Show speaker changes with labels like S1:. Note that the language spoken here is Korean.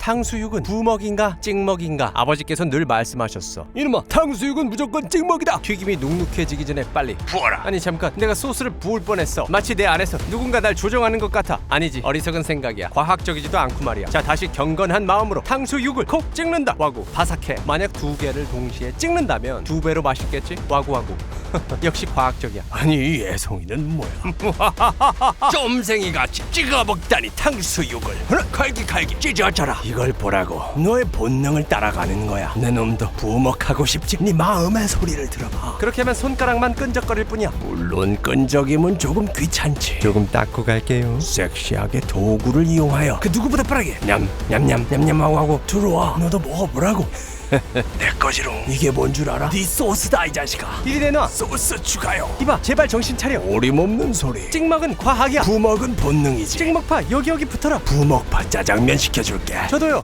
S1: 탕수육은 부먹인가 찍먹인가? 아버지께서 늘 말씀하셨어. 이놈아, 탕수육은 무조건 찍먹이다. 튀김이 눅눅해지기 전에 빨리 부어라. 아니 잠깐, 내가 소스를 부을 뻔했어. 마치 내 안에서 누군가 날 조종하는 것 같아. 아니지, 어리석은 생각이야. 과학적이지도 않고 말이야. 자, 다시 경건한 마음으로 탕수육을 콕 찍는다. 와구. 바삭해. 만약 2개를 동시에 찍는다면 2배로 맛있겠지? 와구와구. 역시 과학적이야. 아니 이 애송이는 뭐야? 쫌생이같이 찍어먹다니 탕수육을. 칼기칼기 찢어져라. 이걸 보라고. 너의 본능을 따라가는 거야. 내 놈도 부먹하고 싶지? 네 마음의 소리를 들어봐. 그렇게 하면 손가락만 끈적거릴 뿐이야. 물론 끈적임은 조금 귀찮지. 조금 닦고 갈게요. 섹시하게 도구를 이용하여 그 누구보다 빠르게 냠냠냠냠냠하고 하고 들어와. 너도 먹어보라고. 내 거지롱. 이게 뭔 줄 알아? 네 소스다 이 자식아. 이리 내놔. 소스 추가요. 이봐, 제발 정신 차려. 어림없는 소리. 찍먹은 과학이야. 부먹은 본능이지. 찍먹파 여기 붙어라. 부먹파 짜장면 시켜줄게. 저도요.